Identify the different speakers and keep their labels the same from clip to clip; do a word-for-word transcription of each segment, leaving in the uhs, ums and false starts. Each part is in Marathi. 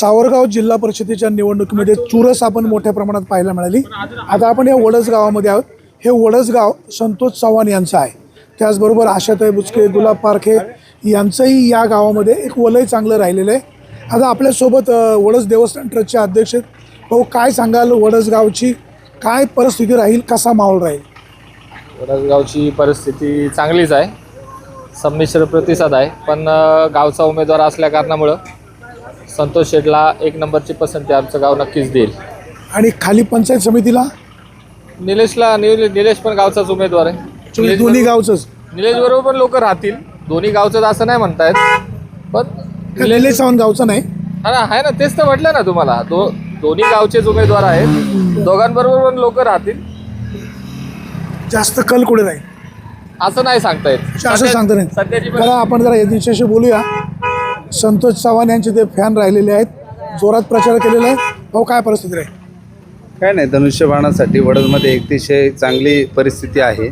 Speaker 1: सावरगाव जिल्हा परिषदेच्या निवडणुकीमध्ये चुरस आपण मोठ्या प्रमाणात पाहायला मिळाली। आता आपण या वडस गावामध्ये आहोत। हे वडस गाव संतोष चव्हाण यांचं आहे। त्याचबरोबर आशाताई बुचके, गुलाब पारखे यांचंही या गावामध्ये एक वलय चांगलं राहिलेलं आहे। आता आपल्यासोबत वडस देवस्थान ट्रस्टचे अध्यक्ष भाऊ, काय सांगाल वडस गावची काय परिस्थिती राहील, कसा माहोल राहील?
Speaker 2: वडस गावची परिस्थिती चांगलीच आहे, संमिश्र प्रतिसाद आहे, पण गावचा उमेदवार असल्या कारणामुळं संतोष शेटला एक नंबरची पसंती आमचं गाव नक्कीच देईल।
Speaker 1: आणि खाली पंचायत समितीला
Speaker 2: निलेशला निलेश पण गावचाच उमेदवार आहे।
Speaker 1: दोन्ही गावचंच
Speaker 2: निलेश बरोबर पण लोक राहतील, दोन्ही गावचंच असं नाही म्हणतायत, पण
Speaker 1: निलेश चव्हाण गावचं नाही
Speaker 2: हा ना, आहे ना, तेच तर म्हटलं ना तुम्हाला, दो दोन्ही गावचेच उमेदवार आहेत, दोघांबरोबर पण लोक राहतील।
Speaker 1: जास्त कल कुठे राहील
Speaker 2: असं नाही सांगता येत,
Speaker 1: असं सांगता नाही।
Speaker 2: सध्याची
Speaker 1: जरा आपण जरा याच्याशी बोलूया। संतोष चव्हाण यांचे ते फॅन राहिलेले आहेत, जोरात प्रचार केलेला आहे। भाऊ, काय परिस्थिती आहे?
Speaker 3: काय नाही, धनुष्यबाणासाठी वडदमध्ये अतिशय चांगली परिस्थिती आहे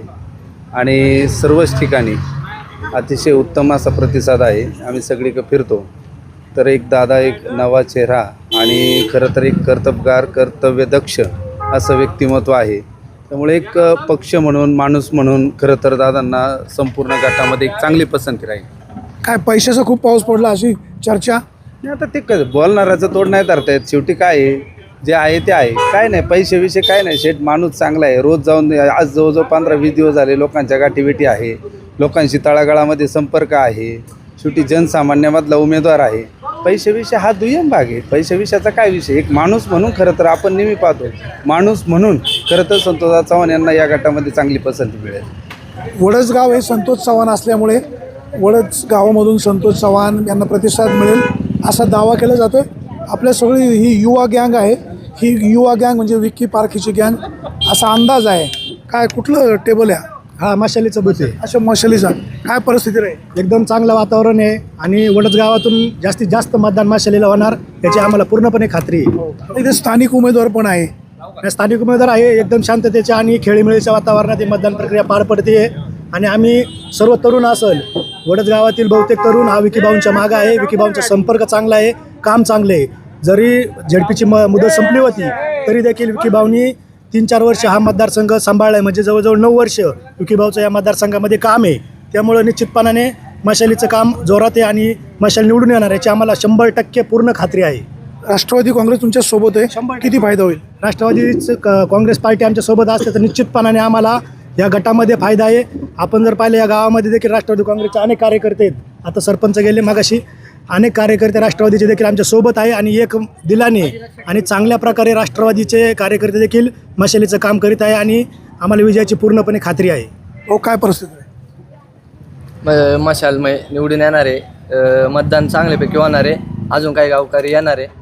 Speaker 3: आणि सर्वच ठिकाणी अतिशय उत्तम असा प्रतिसाद आहे। आम्ही सगळीकडे फिरतो तर एक दादा, एक नवा चेहरा आणि खरं तर एक कर्तबगार, कर्तव्यदक्ष असं व्यक्तिमत्व आहे। त्यामुळे एक पक्ष म्हणून, माणूस म्हणून खरं तर दादांना संपूर्ण गटामध्ये एक चांगली पसंती राहील।
Speaker 1: काय पैशाचा खूप पाऊस पडला अशी चर्चा
Speaker 3: नाही, आता ते क बोलणाराचं तोड नाही धरता येत। शेवटी काय आहे, जे आहे ते आहे, काय नाही पैसे विषय काय नाही। शेठ माणूस चांगला आहे, रोज जाऊन आज जवळजवळ पंधरा वीस दिवस झाले लोकांच्या गाठीभेटी आहे, लोकांशी तळागाळामध्ये संपर्क आहे, शेवटी जनसामान्यामधला उमेदवार आहे। पैसे विषय हा दुय्यम भाग आहे, पैसे विषयाचा काय विषय, एक माणूस म्हणून खरं तर आपण नेहमी पाहतो, माणूस म्हणून खरं तर संतोष चव्हाण यांना या गटामध्ये चांगली पसंती मिळेल।
Speaker 1: वडस गाव हे संतोष चव्हाण असल्यामुळे वडस गावामधून संतोष चव्हाण यांना प्रतिसाद मिळेल असा दावा केला जातोय। आपल्या सगळी ही युवा गँग आहे, ही युवा गँग म्हणजे विक्की पारखीची गँग असा अंदाज आहे। काय कुठलं टेबल आहे?
Speaker 4: हा, मशालीचं बूथ आहे।
Speaker 1: अशा मशालीचा काय परिस्थिती राहील?
Speaker 4: एकदम चांगलं वातावरण आहे आणि वडस गावातून जास्तीत जास्त मतदान मशालीला होणार याची आम्हाला पूर्णपणे खात्री आहे।
Speaker 1: इथे स्थानिक उमेदवार पण आहे,
Speaker 4: स्थानिक उमेदवार आहे, एकदम शांततेच्या आणि खेळीमेळीच्या वातावरणात ही मतदान प्रक्रिया पार पडते आणि आम्ही सर्व तरुण असेल, वडस गावातील बहुतेक तरुण हा विकीभाऊंच्या मागं आहे। विकीभाऊंचा संपर्क चांगला आहे, काम चांगले आहे। जरी झेडपीची म मुदत संपली होती तरी देखील विकीभाऊंनी तीन चार वर्ष हा मतदारसंघ सांभाळला आहे, म्हणजे जवळजवळ नऊ वर्ष विकीभाऊचं या मतदारसंघामध्ये काम आहे। त्यामुळं निश्चितपणाने मशालीचं काम जोरात आहे आणि मशाल निवडून येणार याची आम्हाला शंभर टक्के पूर्ण खात्री आहे।
Speaker 1: राष्ट्रवादी काँग्रेस तुमच्या सोबत आहे, किती फायदा होईल?
Speaker 4: राष्ट्रवादीचं क काँग्रेस पार्टी आमच्या सोबत असते तर निश्चितपणाने आम्हाला या गटामध्ये फायदा आहे। आपण जर पाहिलं या गावामध्ये देखील राष्ट्रवादी काँग्रेसचे अनेक कार्यकर्ते आहेत, आता सरपंच गेले मगाशी, अनेक कार्यकर्ते राष्ट्रवादीचे देखील आमच्या सोबत आहे आणि एक दिलाने आणि चांगल्या प्रकारे राष्ट्रवादीचे कार्यकर्ते देखील मशालीचं काम करीत आहे आणि आम्हाला विजयाची पूर्णपणे खात्री आहे।
Speaker 1: हो, काय परिस्थिती आहे?
Speaker 5: म मशाल मै निवडून येणार आहे, मतदान चांगल्यापैकी होणार आहे, अजून काही गावकरी येणार आहे।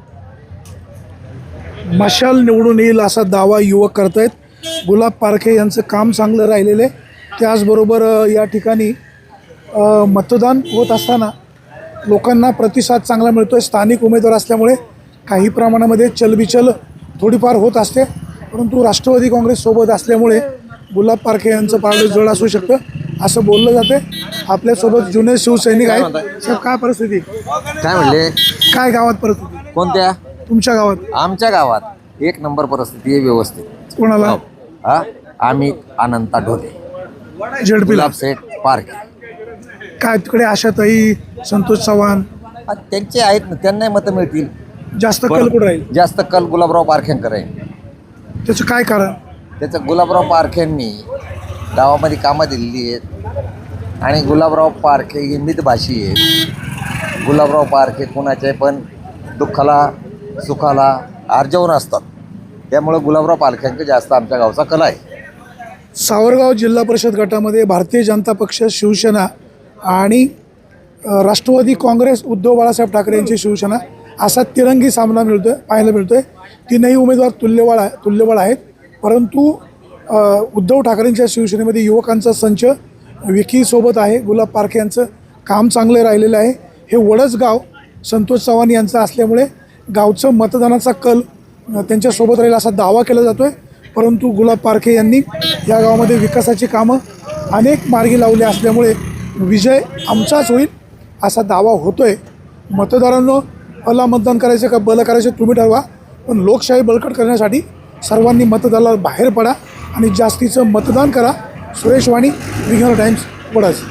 Speaker 1: मशाल निवडून येईल असा दावा युवक करत आहेत। गुलाब पारखे यांचं काम चांगलं राहिलेलं आहे। त्याचबरोबर या ठिकाणी मतदान होत असताना लोकांना प्रतिसाद चांगला मिळतो आहे। स्थानिक उमेदवार असल्यामुळे काही प्रमाणामध्ये चलबिचल थोडीफार होत असते, परंतु राष्ट्रवादी काँग्रेस सोबत असल्यामुळे गुलाब पारखे यांचं पारडं जड असू शकतं असं बोललं जाते। आपल्यासोबत जुने शिवसैनिक आहेत। साहेब, काय परिस्थिती?
Speaker 6: काय म्हणले?
Speaker 1: काय गावात परिस्थिती?
Speaker 6: कोणत्या?
Speaker 1: तुमच्या गावात?
Speaker 6: आमच्या गावात एक नंबर परिस्थिती आहे, व्यवस्थित।
Speaker 1: कोणाला?
Speaker 6: हा, आम्ही अनंता ढोले,
Speaker 1: झेडपीला
Speaker 6: गुलाब सेठ पार्क।
Speaker 1: काय तिकडे आशाताई, संतोष चव्हाण
Speaker 6: त्यांचे आहेत ना, त्यांनाही मतं मिळतील।
Speaker 1: जास्त कल कुठं राहील?
Speaker 6: जास्त कल गुलाबराव पारखेंकर आहे।
Speaker 1: त्याचं काय कारण?
Speaker 6: त्याचं गुलाबराव पारखेंनी गावामध्ये कामं दिलेली आहेत आणि गुलाबराव पारखे हे मितभाषी आहेत। गुलाबराव पारखे कोणाचे पण दुःखाला सुखाला आर्जवून असतात, त्यामुळे गुलाबराव पारखेंकर जास्त आमच्या गावचा कला आहे।
Speaker 1: सावरगाव जिल्हा परिषद गटामध्ये भारतीय जनता पक्ष, शिवसेना आणि राष्ट्रवादी काँग्रेस, उद्धव बाळासाहेब ठाकरे यांची शिवसेना असा तिरंगी सामना मिळतोय पाहायला मिळतोय। तीनही उमेदवार तुल्यबळ आहे तुल्यबळ आहेत, परंतु उद्धव ठाकरेंच्या शिवसेनेमध्ये युवकांचा संच विकीसोबत आहे। गुलाब पारखे यांचं काम चांगलं राहिलेलं आहे। हे वडस गाव संतोष चव्हाण यांचं असल्यामुळे गावचं मतदानाचा कल त्यांच्यासोबत राहील असा दावा केला जातो आहे। परंतु गुलाब पारखे यांनी या गावामध्ये विकासाची कामं अनेक मार्गी लावली असल्यामुळे विजय आमचाच होईल असा दावा होतोय। मतदारांनो, अला मतदान करायचं का बल करायचं तुम्ही ठरवा, पण लोकशाही बळकट करण्यासाठी सर्वांनी मतदानाला बाहेर पडा आणि जास्तीचं मतदान करा. Suresh Vani, regional times, Wadas.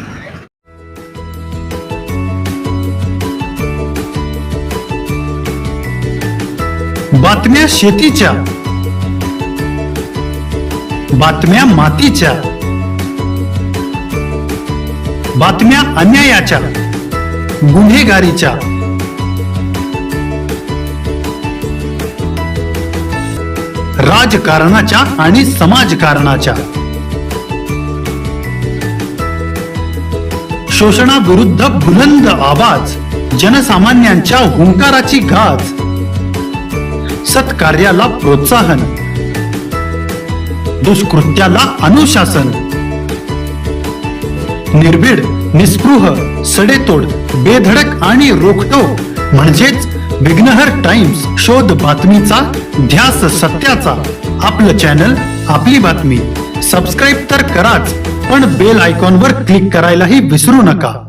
Speaker 7: बातम्या शेतीच्या, बातम्या मातीच्या, बातम्या अन्यायाच्या, गुन्हेगारीच्या, राजकारणाच्या आणि समाजकारणाच्या, शोषणाविरुद्ध बुलंद आवाज, जनसामान्यांच्या हुंकाराची गाज, सत्कार्याला प्रोत्साहन, दुष्कृत्याला अनुशासन, निर्भीड, निस्पृह, सडेतोड, बेधडक आणि रोखटोक म्हणजेच विघ्नहर टाइम्स. शोध बातमीचा, ध्यास सत्याचा. आपलं चॅनल, आपली बातमी. सबस्क्राईब तर कराच, पण बेल आयकॉनवर क्लिक करायलाही विसरू नका.